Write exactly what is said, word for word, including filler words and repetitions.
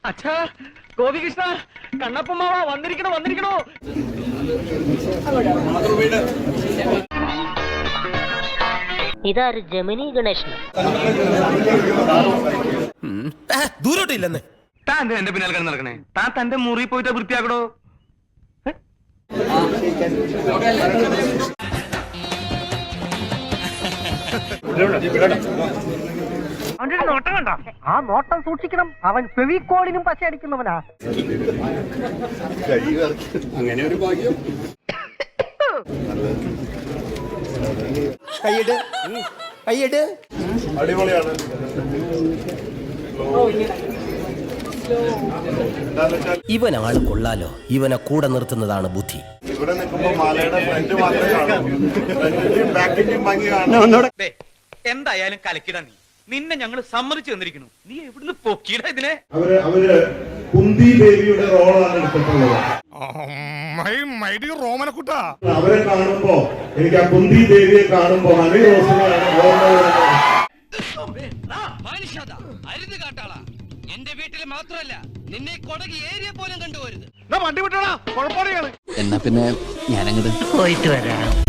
അച്ഛാ ഗോപികൃഷ്ണ കണ്ണപ്പമ്മാവ വന്നിരിക്കണോ വന്നിരിക്കണോ. ഇതാര് ജമിനി ഗണേശൻ ദൂരോട്ടില്ലെന്ന്. താൻ എന്റെ പിന്നാലെ കിടന്ന് നടക്കണേ. താൻ തന്റെ മുറി പോയിട്ട് വൃത്തിയാക്കടോ. അവന്റെ നോട്ടം കണ്ടോ? ആ നോട്ടം സൂക്ഷിക്കണം. അവൻ ഫെവിക്കോളിനും പശ അടിക്കുന്നവനാ. അങ്ങനെ ഒരു ഭാഗ്യം. കൈയ്യട് കൈയ്യട്. അടിപൊളിയാണ്. ഇവനാള് കൊള്ളാലോ. ഇവനെ കൂടെ നിർത്തുന്നതാണ് ബുദ്ധി. ഇവിടെ നിൽക്കുമ്പോ മാലയുടെ ഫ്രണ്ട് മാത്രമേ കാണൂ. ഫ്രണ്ടിന്റെയും ബാക്കിന്റെയും ഭംഗി കാണാം. എന്തായാലും കലക്കിടാ നീ. നിന്നെ ഞങ്ങൾ സമ്മതിച്ചു തന്നിരിക്കുന്നു. നീ എവിടുന്ന് പൊക്കിയിട ഇതിനെ. അവര് അവര് കുന്തി ദേവിയുടെ റോളാണ് എടുത്തിട്ടുള്ളത്. അവരെ കാണുമ്പോ എനിക്ക് ആ കുന്തി ദേവിയെ കാണുമ്പോ ഹണി റോസിനെയാണ് എന്റെ വീട്ടിൽ മാത്രമല്ല നിന്നെ കൊടകി ഏരിയ പോലും കണ്ടുപോരുത്. വണ്ടി വിട്ടോടാ. കുഴപ്പമാണ്. എന്നാ പിന്നെ ഞാനങ്ങോട്ട് പോയിട്ട് വരാം.